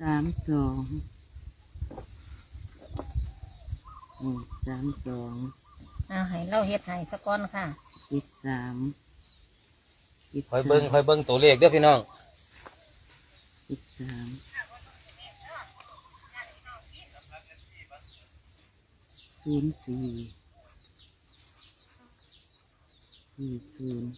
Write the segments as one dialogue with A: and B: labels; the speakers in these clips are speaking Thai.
A: 32
B: ให้เราเฮ็ดให้สักก้อนค่ะ
A: 73
C: คอยเบิ้งตัวเลขเด้อพี่น้อง
A: 03 04 40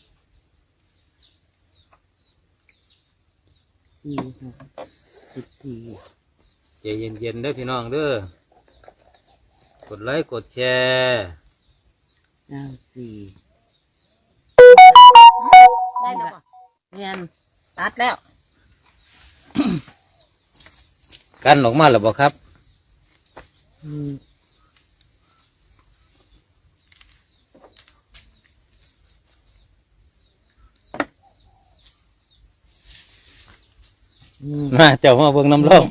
A: 46 14
C: ใจเย็นๆเด้อพี่น้องเด้อกดไลค์กดแชร์
A: 94
B: ได้แล้วป่ะ
A: เรียน
B: ตัดแล้ว
C: กันออกมาหรือเปล่าครับ มาเจ้ามาเบิ่งน้ำร่อง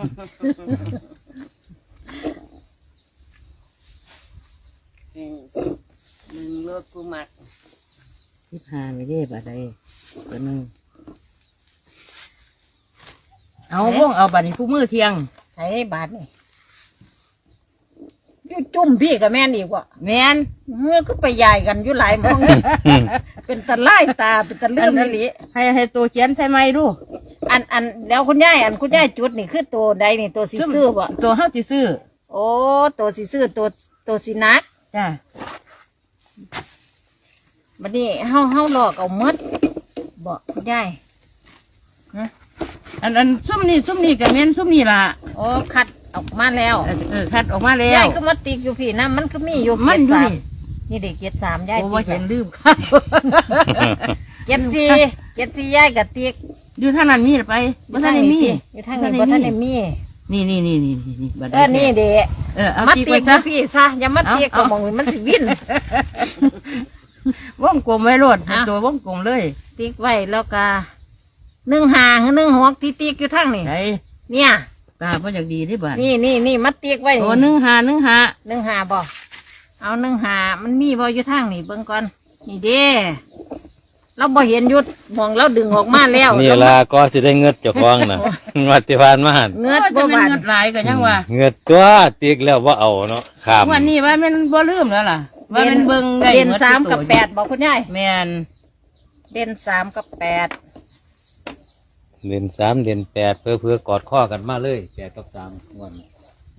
B: หนึ่งรถกูมัก
A: 15ไม่ได้บาดใดตัวหนึงเอาวงเอาบัดนี้ผู้มือเที่ยง
B: ใส่บาทนี่อยู่จุ่มพี่กับแม่นอีกว่ะ
A: แม่น
B: เมื่อก็ไปใหญ่กันอยู่หลายหมอง เป็นตะไล่ตาเป็นตะเลื่อมนี่ลิ
A: ให้ตัวเขียนใช่ไหมดู
B: อันเดี๋ยวคุณยายคุณยายจุดนี่คือตัวใดนี่ตัวสีซื่อบ่
A: ตัวเฮาสิซื้อ
B: โอ้ตัวสีซื่อตัวสีนัก
A: จ้า
B: บัดนี้เฮาหลอกเอาหมดบ่คุณยาย
A: อันซุ่มนี่ก็แม่นซุ่มนี่ล่ะ
B: โอ้คัดออกมาแล้ว
A: คัดออกมาแล้ว
B: ยายก็มาติกอยู่พี่นะมันก็มีอยู่
A: มันอยู่นี่
B: นี่เด็กเกียรติสามยาย
A: โอ้
B: ติ
A: ว่าก เห็
B: อะ
A: นลืมครับ
B: เกียรติสี่ยายกับติก
A: อยู่ทางนั้นมีหรือไปบ่ทันได้มี
B: อยู่ทางนี้บ่ทันได้มี
A: นี่บัด
B: นี่เด็ก
A: เอา
B: มา
A: ตี
B: ติ
A: ไว้
B: ก
A: ซะ
B: พี่ซะอย่ามาติกก็มองมันสิวิน
A: วงกลมไว้โลด
B: เอา
A: ตัววงกลมเลย
B: ติกไว้แล้วก็1 5 1 6ที่ติกอยู่ทางนี่
A: ไอ้
B: เนี่ย
A: ตาบ่อยากดีที่บ้าน
B: นี่มาติกไว้
A: โอ้
B: นี่
A: 15
B: บ่เอา1 5มันมีบ่อยู่ทางนี่เบิ่งก่อนนี่เด้เราบ่เห็นยุดมองเราดึงออกมาแล้ว
C: นี่ล่ะก็สิได้เงิดเจ้าของน่ะ วัติพานมาหัน
B: เงือด
A: จะ
B: บ่
A: เป็น
B: บาด
A: เงินหลายก็ยังว่า
C: เงิดตัวติกแล้วว่าเอาเนาะขาม
A: วันนี้ว่ามันบ่ลืมแล้วล่ะ ว่ามันเบิ่งได้
B: เด่น
A: หด
B: 3 กับ
A: ตัว
B: 8บอกคุณยาย
A: แม่น
B: เด่น3 กับ 8
C: เดือน3เดือน8เพื่อกอดข้อกันมาเลย8 กับ 3งวดนี้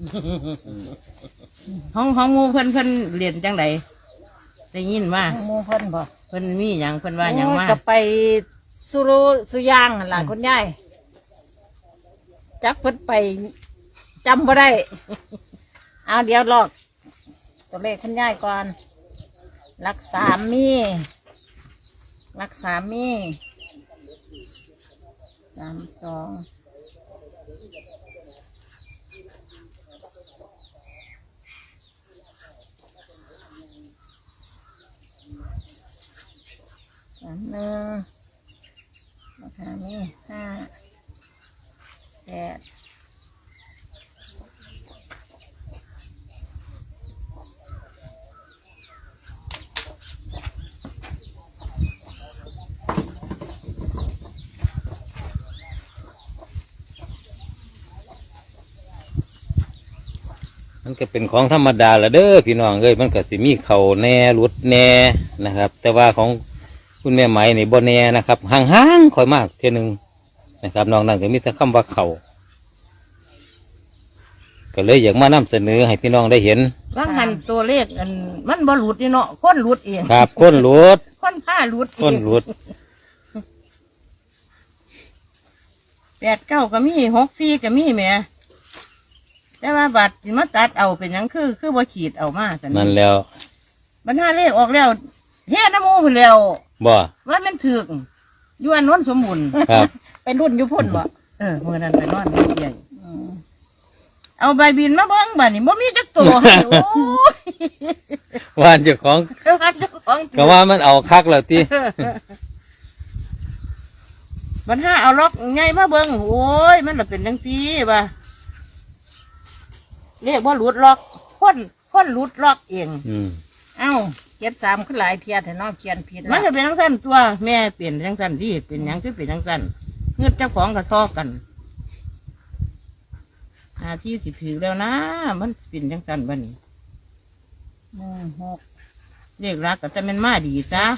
A: ห้องหมู่เพิ่นเรียนจังไดได้ยินว่า
B: หมู่เพิ่นบ่
A: เพิ่นมีหยังเพิ่นว่าหยังมา
B: ก็ไปสุย่างนั่นล่ะคุณยายจักเพิ่นไปจำบ่ได้ เอาเดี๋ยวลอกตัวเลขคุณยายก่อนรักษามี321ราคานี้5 8
C: มันก็เป็นของธรรมดาละเด้อพี่น้องเอ้ยมันก็สิมีเข่าแหน่หลุดแหน่นะครับ แต่ว่าของคุณแม่ไหมนี่บ่แหน่นะครับห่างๆค่อยมากเท่ยหนึงนะครับน้องนั่นก็มีแต่คำว่าเข่าก็เลยอยากมานำเสนอให้พี่น้องได้เห็น
A: ว่างหันตัวเลขอันมันบ่หลุดนี่เนาะคนหลุดเอง
C: ครับก้นหลุด
A: คนผ้าหลุดเอง
C: ก้นหลุด
A: 89ก็มี64ก็มีแหมแต่ว่าบัตรสิมาตัดเอาเป็นหยังคือบ่ขีดเอามาซั่
C: นั่นแล้ว
A: บรรหาเลขออกแล้วเฮ็ดน้ำหมูพุ่นแล้ว
C: บ่
A: ว่ามันถึกอยู่อันโน้นสมบูรณ์
C: ครับ
B: ไปรุ่นอยู่พุ่นบ่
A: มื้อนั้นไปนอนใหญ่เอาใบบินมาเบิ่งบัดนี้บ่มีจักตัวให้โอ้ย
C: ว่านเจ้าของ
A: ว่าเจ้าของ
C: ก็ว่ามันเอาคักแล้วติ
A: บรรหาเอาล็อกใหญ่มาเบิ่งโอ้ยมันละเป็นจังซี่ว่าเลขบ่หลุดล็อกคนหลุดล็อกเอง
B: เอ้า73คือหลายเทียแต่น้องเขียนผิด
A: มัน
B: แล้ว
A: จะเป็นจังซั่นตัวแม่เปลี่ยนจังซั่นที่เป็นหยังคือเป็นจังซั่นเงือเจ้าของกระทอกันหาที่สิถือแล้วนะมันเป็นจังกันบัดนี้
B: 16
A: เรียกรักก็จะเป็นมาดีจ้า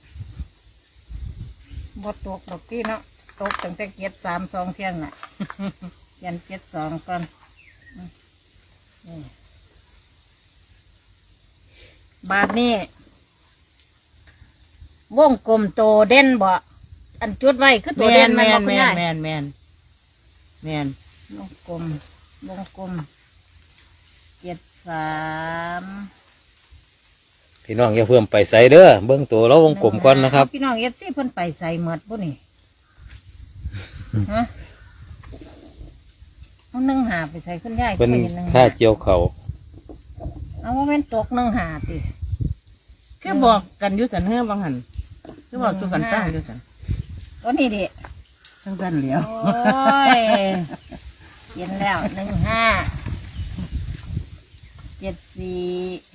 B: 6บ่ตกดอกที่เนาะตกตั้งแต่เกียร32เที่ยงน่ะ ยัน72ก่อนนี่บาทนี้วงกลมโตเด่นบ่อันจุดไว้คือตัวเด่น
A: แม
B: มัน
A: น
B: บ่
A: แม
B: คุณ
A: น
B: ยาย
A: แมนแมนแมน
B: วงกลม73
C: พี่น้องอย่าเพิ่มไปใส่เด้อเบิ้งตัวเราวงกลมก่อนนะครับ
B: พี่น้องเอฟซีเพิ่นไปใส่หมดบ่นี่ฮะเอา1 5ไปใส่คุณยาย
C: เป็น
B: ไป1
C: ค่าเจียวเขา
B: เอาว่าแม่นตก1 5ติ
A: แค่บอกกันอยู่สันเฮือบางหันคือบอกจุกันตั้งอยู่สัน
B: ตัวนี้ดิ
A: ทั้งสันเหลียว
B: โอ้ยเห็นแล้ว15 74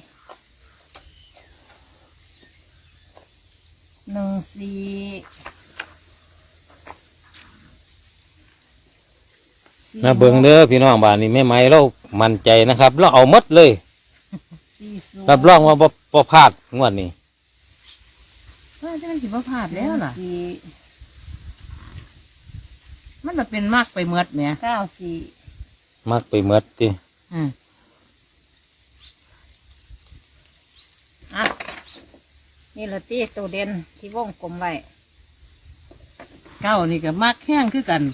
B: 14
C: นะเบิ้งเด้อพี่น้องบ้านนี้แม่ไม้เรามั่นใจนะครับเราเอาหมดเลย
B: 40
C: รับรองว่าบ่พลาดงวดนี้
A: ว่าจะมันสิบ่พลาดแล้วล่ะ
B: 4
A: มันจะเป็นมากไปเมดแหม่
B: 94
C: มักไปหมดติ
B: อ่ะนี่ละตีตัวเด่นที่วงกลมไว้
A: เก้านี่ก็มากแห้งคือกัน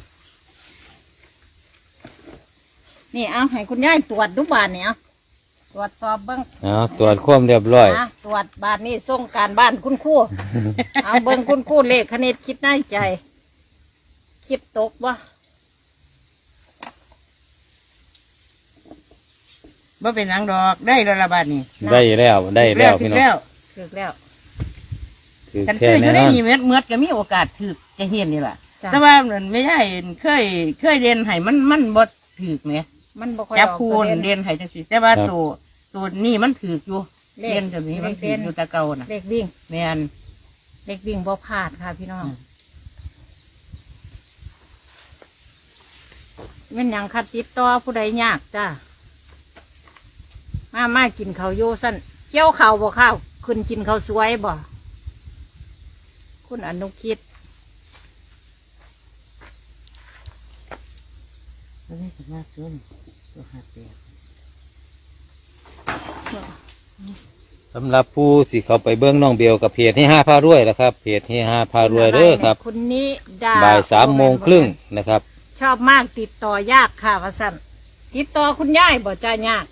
B: นี่เอาให้คุณยายตรวจดูบานเนี่ยตรวจสอบเบิ้ง
C: ตรวจความเรียบร้อย
B: อ่ะตรวจบานนี้ส่งการบ้านคุณครู เอาเบิ้งคุณครูเลขคณิตคิดในใจ คิดตกบ่
A: บ่เป็นหนังดอกได้แล้วละบาดนี้
C: ได้แล้วได้แล้วพี่น้อง
A: แล้ว
B: ถึกแล้ว
C: คือ
A: กัน
C: แค่
A: เคยอยู่
C: แน่
A: ได้
C: นอน
A: นี่เมดก็มีโอกาสถือจะเห็นนี่แหละ
B: จ้ะ
A: แต่ว่ามันไม่ได้เคยเรียนให้มันบ่ถือไหม
B: มันบ่ค่อย
A: จับ
B: ออก
A: คู
B: ตัว
A: ณ
B: เด่น
A: เรียนให้จังสิแต่ว่าตัวนี่มันถืออยู่
B: เลข
A: เรียนแบบนี้มันถืออยู่แตะเก่าน่ะ
B: เลขวิ่ง
A: แมน
B: เลขวิ่งบ่พลาดค่ะพี่น้อง
A: อืม
B: แม่นหยังคัดติดต่อผู้ใดยากจ้ามากินข้าวโยสั้นเกี่ยวข้าวบ่ข้าวขึ้นกินข้าวสวยบ่คุณอนุคิด
A: ตัวนี้ก็มากขึ้นตัวหาเตีย
C: สำหรับผู้ที่เขาไปเบื้องน้องเบลกับเพจให้5 พารวยแล้วครับเพจให้5 พารวยเด้อครับ
B: คุณนี้ดา
C: บ่าย3:30นะครับ
B: ชอบมากติดต่อยากค่ะว่าสั่นติดต่อคุณยายบ่จ้ายาก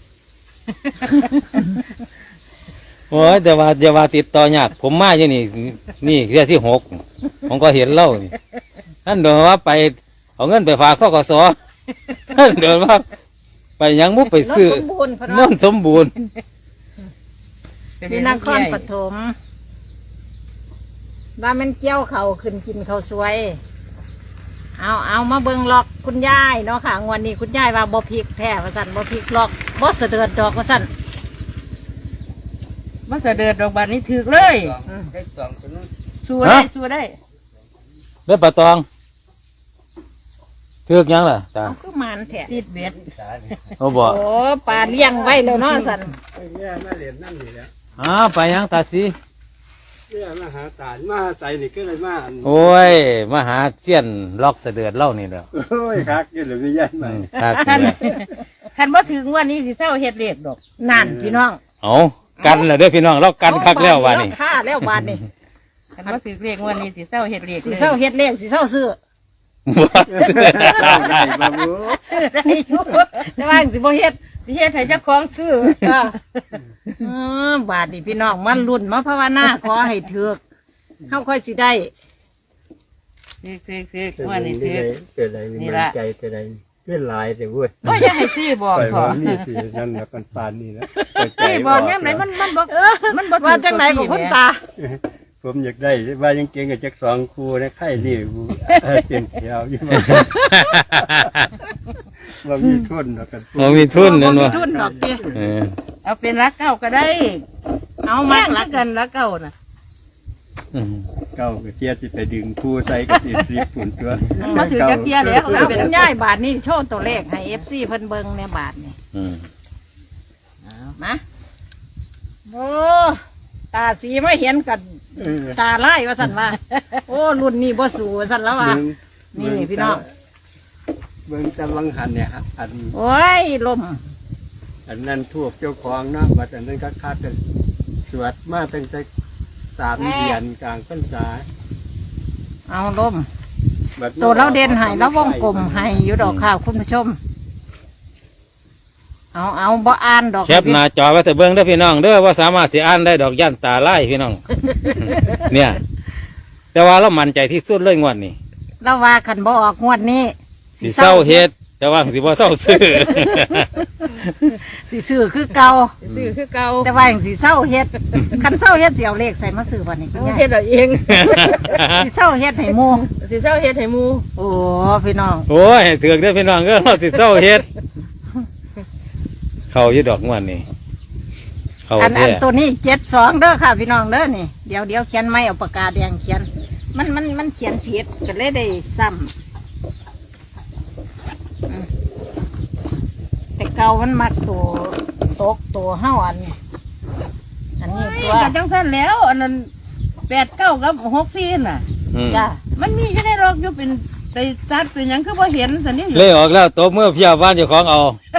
C: โอ้ยแต่ว่าอย่าว่าติดต่อยากผมมาอยู่นี่เรื่องที่6ผมก็เห็นเล่านี่ท่านเดินว่าไปเอาเงินไปฝากธกสท่านเดินว่าไปยังมุกไปซื้อ
B: รถสมบูรณ์พะ
C: น
B: เนาะ
C: นสมบูรณ์
B: ที่นครปฐมว่ามันเกี่ยวเขาวขึ้นกินเขาวสวย เอามาเบิ่งล็อกคุณยายเนาะค่ะงวันนี้คุณยายว่าบ่พริกแท้ว่าสั่นบ่พริกล็อกบ่เสด็จดอกว่าสั่น
A: มันจะเดินดอกบานนี้ถือเลย
B: อืม
A: สู้ได้สู้ได้
C: เด้อปลาตองเทือกยังล่ะตา
B: เอาคือหมันแท้
A: ติดเบ็ด
C: เขาบอก
B: โอ้ปลาเลี้ยงไว้แล้วเนาะสั่น
D: เนี่ยมาเรียนนั่นนี่แหละ
C: ไปยังตาสี
D: เนี่ยมาหาตาลมาหาใจนี่ก็เลยมาอัน
C: โอ้ยมาหาเสี้ยนล็อกเสดือดเล่านี่แหล้ว
D: โอ้ยคักอยังเหลือไม่ยันมา
C: ครับ
A: คันบ่ถึงวันนี้สิเศร้าเฮ็ดเลขดอก
B: นั่นพี่น้อง
C: เอากันเลยเด้อพี่น้องเรากันคักแล้ววันนี้
B: ค่าแล้วบาดนี้
A: คันบ่ถึงเลขวันนี้สิเศร้าเฮ็ดเลข
B: สิ
A: เลย
B: เศร้าเฮ็ดเลขสิเศร้าซื้อ
D: ได้มาบู
A: ซื้อได้อยู่
B: แต่ว่าสิบ่เฮ็ด
A: สิเฮ็ดให้เจ้าของซื้อ
B: บาดนี้พี่น้องมันรุ่นมาภาวนาขอให้ถือกเฮาค่อยสิได้
A: ซื้อวันนี้ซื้อ
D: เกิดอะไรนี่มันใจเกิดอะไรเกิดลายแต่เว้ย
A: ก็อย่าให้ซื้อบอก
D: ปล่อย
A: ข
D: มา
A: อ
D: นี่สินั่นแหละปันปานนี่นะ
A: ซื้อบอกยามไหนมันบ่มันบ่
B: ว่าจังไหนของคุณตา
D: ผมอยากได้ว่ายังเก่งกับจักสองครูนะไข่นี่กูเป็นแถวอยู่ว่ามีทุนหรอกกัน
C: เรามีทุนนั่น
B: บ่
C: วะ
B: มีทุนดอกเตี้ย
C: เออ
A: เอาเป็นรักเก่าก็ได้
B: เอา
A: แม่
B: มาง
A: รักกันรักเก่าน่ะ
C: อืม
D: เก้าก็เทียสิไปดึงคู่ใส่ก็สิ10ฝุ่นตัว
A: มาถือจักเทียแล้ว
B: เอาคุณยายบาทนี่โชว์ตัวเลขให้FCเพิ่นเบิ่งเนี่ยบาทนี่
C: อืม
B: เอามาโอ้ตาสีไม่เห็นกับ
D: เออ
B: ตาไล่ว่าสั่นว่า โอ้รุ่นนี้บ่สู่ว่าสั่นแล้วว่า
D: เบิ่ง
B: นี่พี่น้อง
D: เบิ่งตะวังหันเนี่ยฮะอัน
B: โอ้ยลม
D: อันนั้นทูบเจ้าของเนาะบัดอันนั้นก็คาดกันสวดมาตั้งแต่3 เดือนกลางพรรษา
B: เอาลม
D: บัด
B: ตัวเราเด่นให้แล้ววงกลมให้อยู่ดอกข้าวคุณผู้ชม เอาบ่อ่านดอก
C: แคปหน้าจอไว้แต่เบิ่งเด้อพี่น้องเด้อว่าสามารถสิอ่านได้ดอกย่านตาไล่พี่น้อง เนี่ย แต่ว่าเรามั่นใจที่สุดเลยงวดนี้
B: เราว่าขันบ่ออกงวดนี้
C: สิเศร้าเฮ็ดแต่ว่าสิบ่เศร้าซื้อ
B: สิซื้อคือเก่า
A: ซื้อคือเก่า
B: แต่ว่าอย่างสิเศร้าเฮ็ดคันเศร้าเฮ็ดสิเอาเลขใส่มาซื้อวันนี้คุณ
A: เอา
B: ยาย
A: เฮ็ดเอาเอง
B: สิเศร้าเฮ็ดให้หมู่
A: สิเจ้าเฮ็ดให้หมู่
B: โอ้พี่น้อง
C: โอ้ยถือกเด้อพี่น้องเด้อเราสิเศร้าเฮ็ด เข้าอยู่ดอกงวดนี้เข้า
B: อัน
C: แท้
B: ตัวนี้72เด้อค่ะพี่น้องเด้อนี่เดี๋ยวเขียนไม่เอาปากกาแดงเขียน มันเขียนผิดก็เลยได้ซ้ำแต่เก่ามันมักตัวตกตัวเฮาอันนี้ตัว
A: ก็จังซั่นแล้วอันนั้น8 9กับ64น่ะ
C: อืม
B: จ้า
A: มันมีอยู่ในรอกอยู่เป็นไปซัดเป็นหยังคือบ่เห็นซั่นนี่
C: เลยออกแล้วตบมือเพียบบ้านเจ้าของเอา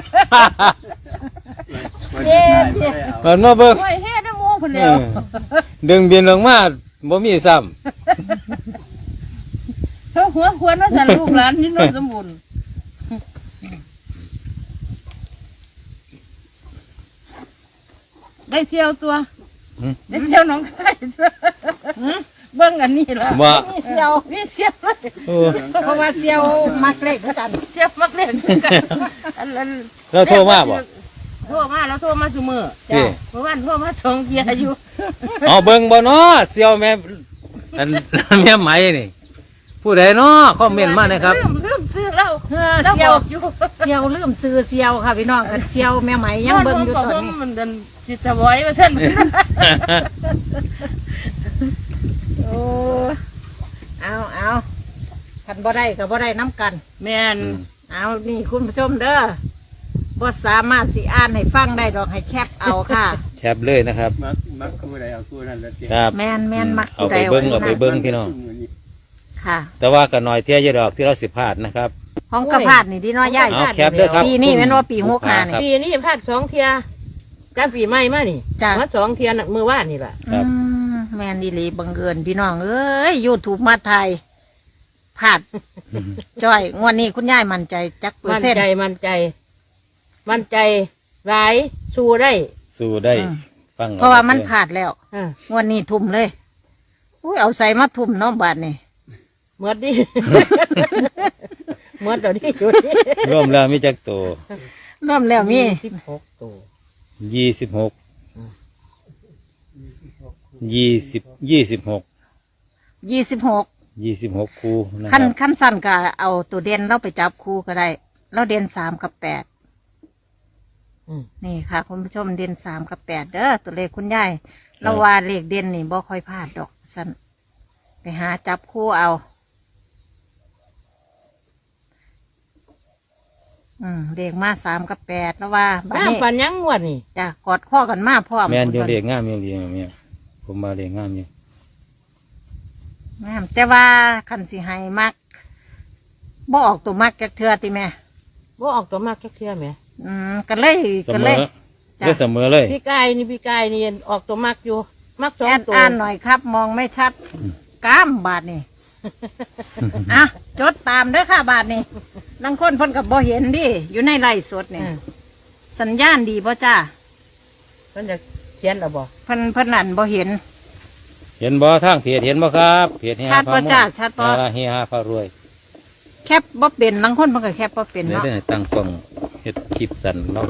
D: มันจะได้บ่ได้เอา
C: มันมาเบิ่ง
A: โอ้ยเฮ็ดน้ำหมู่เพิ่น
C: เอ
A: แล้ว
C: อดึงบินลงมาบ่มีซ้ำ
A: เขาหัวควรว่าซั่นลูกหลานนี่โนนสมบูรณ์ได้เที่ยวตัว
C: หืม
A: ได้เที่ยวหน้องคายตัวเบิ่งอันนี้ล่ะ
C: ว่า
B: มีเซียว
A: มีเสียวเลย
C: โอ้
B: เพราะว่าเซียวมักเล็กเหมือนกัน
A: เสียวมักเล่นกันอันนั้น
C: เราโทรมาบ่
A: โทรมาแล้วโทรมาซุมื้อ
C: เอ้
A: เมื่อวานโทรมาสองเที่ยอยู่
C: เอาเบิ่งบ่เนาะเสี่ยวแม่อัน แม่ไหมนี่ ผู้ใดเนาะคอมเมนต์มานะครับ
A: ลืมซื้อแล้ว
B: เออ
A: แล้ว
B: เซี
A: บ
B: ยว
A: อกอยู่
B: เซียวลืมซื้อเซียวค่ะพี่น้องกันเซียวแม่ไหมยังเบิ่งอยู่ตอนนี้
A: มันเดินจิตถวายมาเส้น
B: โอ้เอาคันบ่ได้ก็บ่ได้น้ำกัน
A: แม่น
B: เอานี่คุณผู้ชมเด้อบ่สามารถสิอ่านให้ฟังได้ดอกให้แคปเอาค่ะ
C: แชปเลยนะครับ
D: มักคู่ใดเอาคู่นั้นละเตีย
C: ครับ
B: แม่นมัก
C: เอาไปเบิ่งเอาไปเบิ่งพี่น้อง
B: ค่ะ
C: แต่ว่าก็น้อยเที่ยอยดอกที่เราสิพลาดนะครับ
B: ห้องกระพาดนี่ดีน้อยใหญ่
C: เอาแคปเด้อครับ
B: ปีนี้แม่นว่าปีหกห้านี่
C: ครับ
A: ปีนี้พลาดสองเที่ยการปีใหม่มานี่
B: จ้ะ
A: มาสองเที่ยน่ะมือว่านนี่ล่ะ
C: ครับ
B: แม่นดีหลีบังเอิญพี่น้องเอ้ย YouTube มาไทยพลาดจ้อยงวดนี้คุณยายมั่นใจจักเปอ
A: มั่
B: ร์
A: น
B: เซ็นต์
A: ใจมั่นใจ มั่นใจหลายสู้ได้
C: สู้ได้
B: อืม
C: ฟัง
B: เพราะว่ามันพลาดแล้ว
A: อ่ะ
B: งวดนี้ทุ่มเลยอุ้ยเอาใส่มาทุ่มเน้องบาทนี่
A: เมื่อดิ เมื่อเดี๋ยวนี้อยู่นี่
C: รวมแล้วมีจักตัว
B: เริ่มแล้วมี
A: 16ตัว
C: 26 26
B: 26
C: คู่นะค
B: ขั้น
C: รับ
B: ขั้นสั้นก็เอาตัวเด่นเราไปจับคู่ก็ได้ เราเด่น3 กับ
A: อืม
B: 8นี่ค่ะ คุณผู้ชมเด่น3 กับ 8เด้อตัวเลขคุณยายเราว่าเลขเด่นนี่บ่ค่อยพลาดดอกสั้นไปหาจับคู่เอา เลขมา3 กับ 8แล้วว่าบัด
A: น้ำ
B: นี้
A: ปันยังงวดนี่
B: จะกอดข้อกันมาพร้อม
C: แม่นอยู่เรียกงามอยู่เรียกแม่นผมมาเรียกงามอยู่
B: แม่นแต่ว่าคันสิให้มักบ่ออกตัวมักจักเทือติแม่
A: ว่าออกตัวมากแค่เที่ยไหม
B: กันเลย
C: เส
B: กัน
C: ม
B: เล
C: อย
B: จ้ะ
C: ก็เสมอเลย
A: พี่กายนี่ออกตัวมากอยู่มากสอ
B: แอง ด
A: ตัว
B: อ่านหน่อยครับ มองไม่ชัดกล้ามบาทนี่ อ่ะจดตามเด้อค่ะบาทนี่ลังคนเพ่นกับบ่เห็นดิอยู่ในไร่สดนี่
A: อืม
B: สัญญาณดีบ่จ้า
A: มันจะเขียนหรอบ่
B: เพิ่นนั่นบ่เห็น
C: เห็นบ่ทางเพจเห็นบ่ครับเพจเฮีย
B: ชัดบ่
C: พาม่วน
B: จ้ะชัดบ่
C: เฮียพารวย
B: แคบบ่เป็นลังคนเพิ่นก็แคบบ่เป็น
C: เดี๋ยว
B: เนาะ
C: ได้ตั้งกล้องเฮ็ดคลิปสั่นเนาะ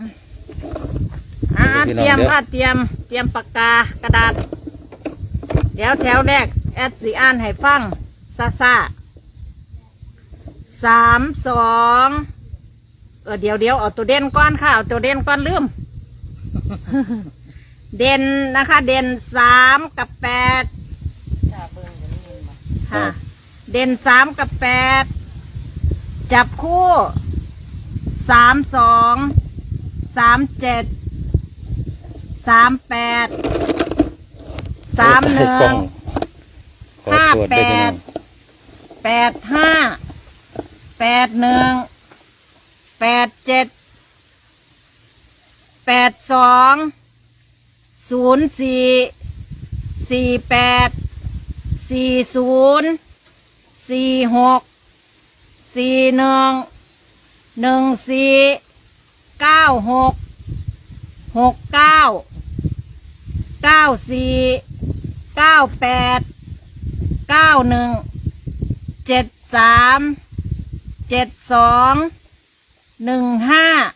B: เตรียมค่ะเตรียมปากกากระดาษ เดี๋ยวแถวแรกแอดสีอ่านให้ฟังซ่า3 2เดี๋ยวเอาตัวเด่นก่อนค่ะเอาตัวเด่นก่อนลืม เด่นนะคะ เด่น3 กับ 8 ค่ะ เด่นสามกับแปดจับคู่32 37 38
C: กล้องขอโทษด้วยพี่น้อง
B: 85 81 87 82 04 48 40 46 41 14 96 69 94 98 91 73 72 15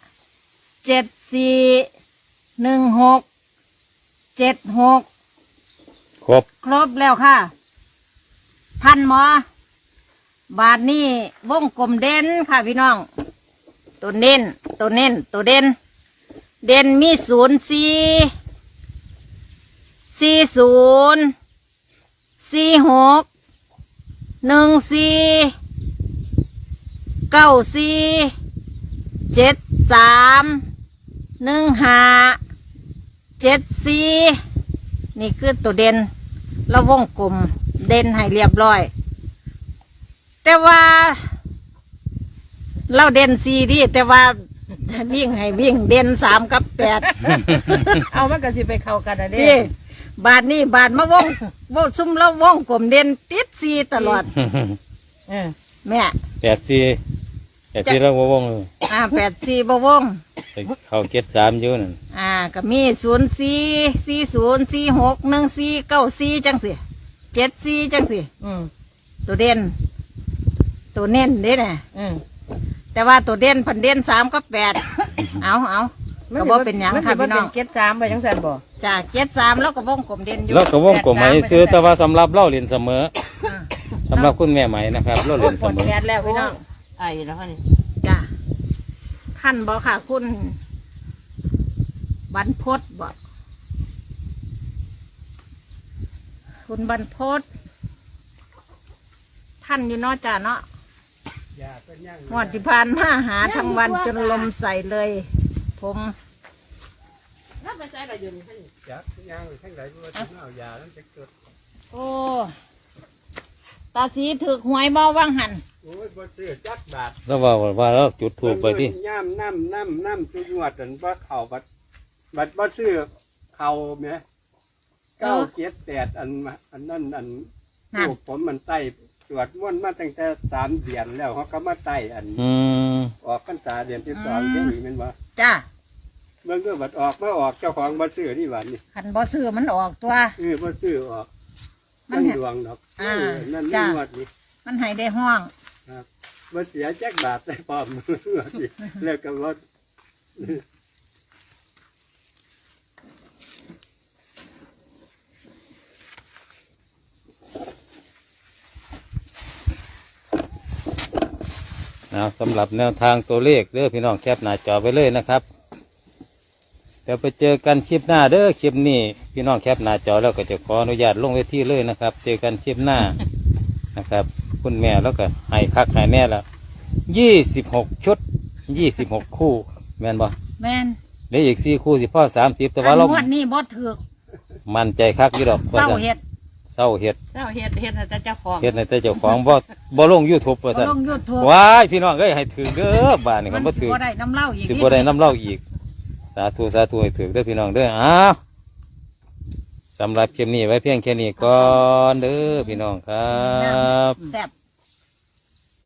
B: 74 16 76
C: ครบ
B: ครบแล้วค่ะ ท่านหมอบาทนี้วงกลมเด่นค่ะพี่น้อง ตัวเน้นตัวเน้นตัวเด่นเด่นมี04 40 46 14 94 73 15 74นี่คือตัวเด่นแล้ววงกลมเด่นให้เรียบร้อย แต่ว่าเราเด่น4ดีแต่ว่าวิ่งให้วิ่งเด่น3กับ8
A: เอามันก็สิไปเข้ากันนะเด้
B: นี่บาทนี้บาทมาวงซุ่มแล้ววงกลมเด่นติด4ตลอด
A: เออ
B: แม่
C: 84แล้ววงเลย
B: 84บ่วง
C: เข้า73อยู่นั่น
B: ก็มี04 40 46 14 94จังสิ74จังสิ
A: อืม
B: ตัวเด่นตัวเน้นเด้น่ะ
A: อืม
B: แต่ว่าตัวเด่นพันเด่น3กับ8 เอาก็บ่เป็นหยังค่ะพี่น้อง
A: มันสิบ่เป็นเจ็ดสามไปจังซั่นบ่
B: จ้า73แล้วก็วงกลมเด่นอยู่
C: แล้วก็วงกลมไหมซื้อแต่ว่าสำหรับเล่าเรียนเสมอสำหรับคุณแม่ไหมนะครับเล่าเรียนเสมอ
B: แดดแล้วพี่น้อง
A: ไอ้แล้วนี่
B: จ้าท่านบ่ค่ะคุณบรรพตบ่คุณบรรพตท่านอยู่เนาะจ้าเนาะ
D: อย่าเป็นย่าง
B: หวดที่ผ่านมาหาทั้งวันจนลมใส่เลย ผม
A: แล้วไปใส่ละอยู่นี่
D: อย่าเป็นย่างทั้งหลายว่าถึงเอายาแล้วจะเกิด
B: โอ้ตาสีถือหวยบ่ว่างหัน
D: โอ้ยบ่ซื้อจักบาท
C: แล้วว่าเราจุดถูกไปที่
D: ย่ำน้ำจุดวดอันว่าเข่าบัดบ่ซื้อเข่าแหม978อันนั่นอัน
B: นั่น
D: ลูกผมมันไต้ตรวจม่วนมาตั้งแต่3 เดือนแล้วเขาก็มาไต้อัน ออกพรรษาเดือนที่2ที่นี่แมันว่า
B: จ้า
D: เมื่อก็บัดออกมาออกเจ้าของบ่ซื้อที่วันนี้
B: ขันบ่ซื้อมันออกตัว
D: บ่ซื้อออก
B: มั
D: มัน นดวงดอก นั่น
B: จ้ะ
D: นี่งวดนี้
B: มันให้ได้ห้อง
D: ครับบ่เสียจักบาทได้พร้อม งวดนี้แล้วก็บ่
C: สำหรับแนวทางตัวเลขเด้อพี่น้องแคปหน้าจอไปเลยนะครับเดี๋ยวไปเจอกันคลิปหน้าเด้อคลิปนี้พี่น้องแคปหน้าจอแล้วก็จะขออนุญาตลงเวทีเลยนะครับ เจอกันคลิปหน้านะครับ คุณแม่แล้วก็ให้คักให้แน่ละ26 ชุด 26 คู่แม่นบ่
B: แม่น
C: เหลืออีก4 คู่สิพ่อ30แต่ว่า
B: อั
C: เรา
B: นงวดนี้บ่ถือก
C: มั่นใจคักอยู่ดอก
B: เศร้าเฮ็ด
C: เศร้าเฮ็ด
A: เจ้าเฮ็ดให้แต่เจ้าของ
C: เฮ็ดในแต่เจ้าของบ่ลง YouTube ว่า
B: บ่
C: ซั่น
B: ลง YouTube
C: ว้ายพี่น้องเอ้ยให้ถือเด้อบ้านนี่
B: มั
C: คั
B: น
C: นบ่
B: สิ
C: ถือ
B: บ่ได้น้ำเหล้าอีก
C: สิบ่ได้น้ำเหล้าอีกสาธุให้ถือเด้อพี่น้องเด้ออ้าวสำหรับคลิปนี้ไว้เพียงแค่นี้ก่อนเด้อพี่น้องครับ
B: แซ่บ